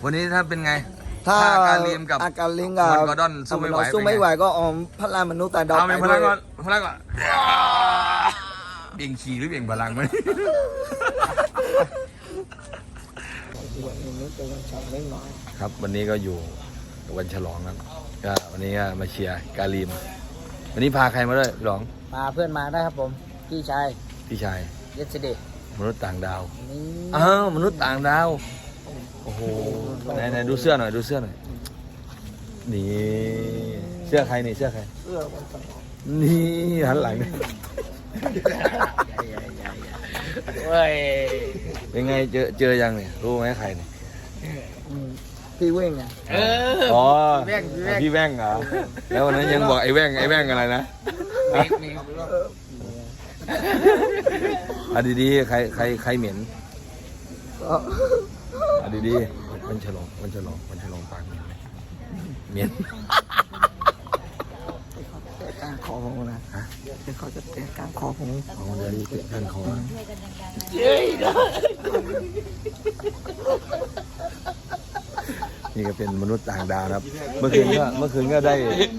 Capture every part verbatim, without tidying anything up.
วันนี้ถ้าเป็นไงถ้าอาการลิมกับอาการลิมกับมอนกอร์ดอนสู้ไม่ไหวสู้ไม่ไหวก็ออมพลังมนุษย์แต่ดาวเอาเป็นพลังก่อนไปพลังก่อนเบี่ยงขี่หรือเบี่ยงพลังมันด้วยครับวันนี้ก็อยู่วันฉลองครับก็วันนี้ก็มาเชียร์กาลิมวันนี้พาใครมาด้วยหลองมาเพื่อนมาได้ครับผมพี่ชายพี่ชายเยสเดย์มนุษย์ต่างดาวนี่อ้าวมนุษย์ต่างดาวโอ้โหไหนไหนดูเสื้อหน่อยดูเสื้อหน่อยนี่เสื้อใครนี่เสื้อใครเสื้อวันสองนี่หันหลังนี่เว้ยเป็นไงเจอเจอยังเนี่ยรู้ไหมใครเนี่ยพี่เว้งไงเอออ๋อพี่แว่งพี่แว่งพี่แว่งเหรอแล้ววันนั้นยังบอกไอ้แว่งไอ้แว่งอะไรนะอ่ะดีๆใครใครใครเหม็นอ่ะดีๆวันฉลองวันฉลองวันฉลองปากเหม็นไหมเหม็นเตะกลางคอผมนะฮะเดี๋ยวเขาจะเตะกลางคอผมเอาเดี๋ยวนี้เตะกันคอนี่ก็เป็นมนุษย์ต่างดาวครับ เมื่อคืนก็เมื่อคืนก็ได้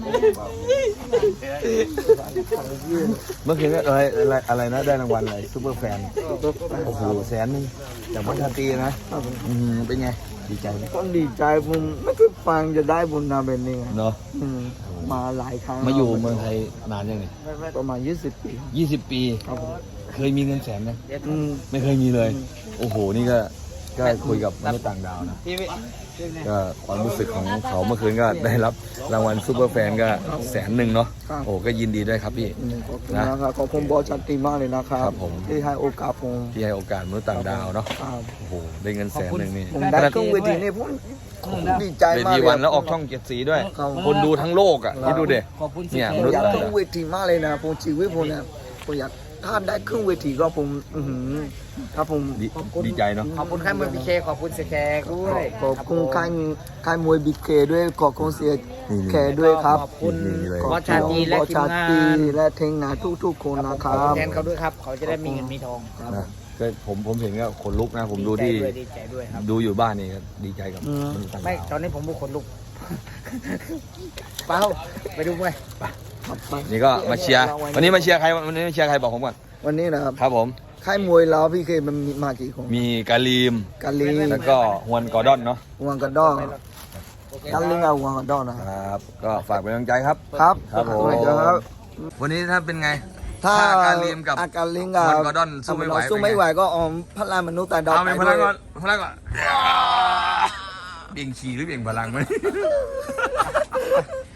เมื่อคืนก็อะไรอะไรอะไรนะได้รางวัลอะไรซูเปอร์แฟนโอ้โหแสนนึงจากวัฒนตรีนะอืมเป็นไงดีใจไหมก็ดีใจผมไม่เคยฟังจะได้บุญนาเป็นนี่ไงเนาะอืมมาหลายครั้งมาอยู่เมืองไทยนานยังไงประมาณยี่สิบปียี่สิบปีครับผมเคยมีเงินแสนไหมอืมไม่เคยมีเลย โอ้โหนี่ก็ก็คุยกับมนุษย์ต่างดาวนะก็ความรู้สึกของเขาเมื่อคืนก็ได้รับรางวัลซูเปอร์แฟนก็แสนหนึ่งเนาะโอ้ก็ยินดีด้วยครับพี่ขอบคุณนะครับขอบคุณบอสชันตีมากเลยนะครับครับผมที่ให้โอกาสผมที่ให้โอกาสมนุษย์ต่างดาวเนาะครับโอ้โหได้เงินแสนหนึ่งนี่ผมได้เครื่องเวทีนี่ผมผมดีใจเวมากทีเลยวันแล้วออกช่องเจ็ดสีด้วยครับคนดูทั้งโลกอ่ะนี่ดูเด็ขอบคุณเนี่ยผมมนุษย์อยากต่างเครื่ดาองวเวทีมากเลยนะผมชีวิตผมเนี่ยผมอยากถ้าได้เครื่องเวทีก็ผมอื้อหือถ้าผมดีดีใจเนาะขอบคุณค่ายมวยพีเคขอบคุณเสียแขกด้วยขอบคุณค่ายค่ายมวยบีเคด้วยขอบคุณเสียแขกด้วยครับขอบคุณนี่เลยบอสชาตรีและบอสทีมชางาตรีนและทีมงานทุกๆคนนะคขรัอบคุณบแทนเขาด้วยครับ เขาจะได้มีเงินมีทองนะก็ผมผมเห็นก็ขนลุกนะผมดูที่ดีใจด้วยครับดูอยู่บ้านนี่ก็ดีใจกับอืมมนุษย์ต่างไม่ดาวตอนนี้ผมบุกคนลุกเปล่าไปดูมวยนี่ก็มาเชียร์วันนี้มาเชียร์ใครวันนี้มาเชียร์ใครบอกผมก่อนวันนี้นะครับครับผมค่ายมวยเราพี่เคมันมีมากี่คนมีกาลีมกาลีแล้วก็ฮวนกอร์ดอนเนาะวังกระดองกาลิงเอาวังกระดองนะคครับรับก็ฝากเป็นกำลังใจครับครับครับผมครับวันนี้ถ้าเป็นไงถ้าอาการลิมกับอาการลิมกับวังกอร์ดอนสู้ไม่ไหวสู้ไม่ไหวก็ออมพลังมนุษย์แต่ดาวเอาเป็นไปพด้ลัวงยก่อนพลังก่อนเบี่ยงขี่หรือเบี่ยงพลังมัน